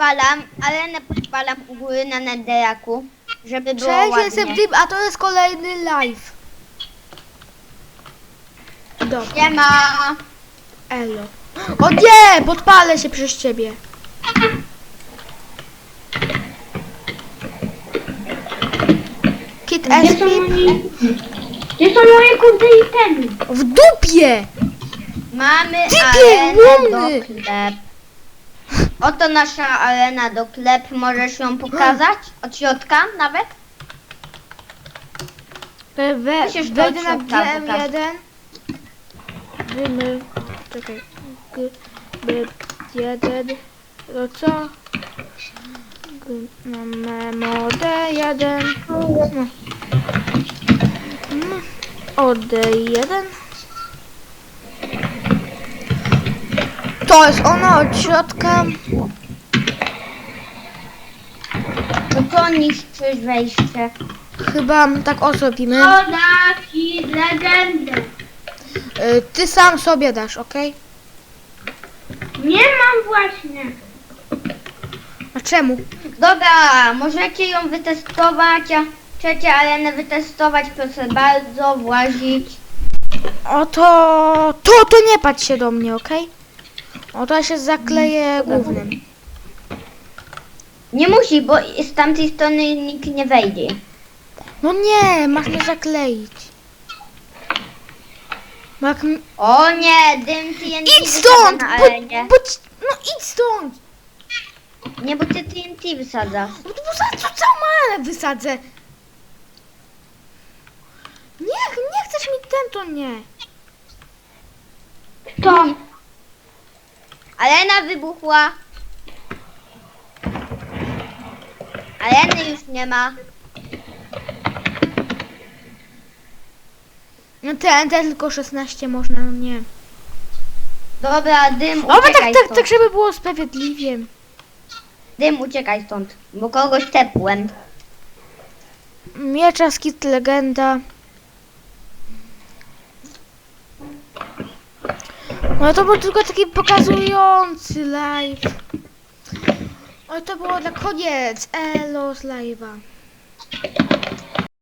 podpalam, arenę podpalam u góry na netherraku, żeby było Cześć, ładnie. jestem Dip, a to jest kolejny live. Dobra, Nie ma. elo. O nie, podpalę się przez ciebie. Kit Gdzie są Espip Gdzie są moje kurde itemy? w dupie. Mamy Typie, arenę łomny. do klep. Oto nasza arena do klep. Możesz ją pokazać? Od środka nawet? Musisz to Wejdę na od środka GM1. Czekaj. GM1. To co? Memo D1. O D1. To jest ono od środka. No to niszczysz wejście. Chyba tak osobimy. Podaki legendę. Ty sam sobie dasz, ok? Nie mam właśnie. A czemu? Dobra, możecie ją wytestować, a chcecie arenę wytestować, proszę bardzo, włazić. O to nie patrz się do mnie, ok? O to ja się zakleję głównym. Nie musi, bo z tamtej strony nikt nie wejdzie. No nie, masz mnie zakleić. Bo jak O nie, dym TNT idź wysadza stąd! na arenie. No idź stąd! Nie, bo ty TNT wysadzasz. No to za co całą arenę wysadzę? Nie chcesz mi ten, to nie. Kto? Arena wybuchła. Areny już nie ma. No ten tylko 16 można, no nie. Dobra, dym, O, uciekaj tak, stąd. żeby było sprawiedliwie. Dym, uciekaj stąd, bo kogoś tepłem. Miecza skit legenda. No to był tylko taki pokazujący live. Oj, to było na koniec. Elo z live'a.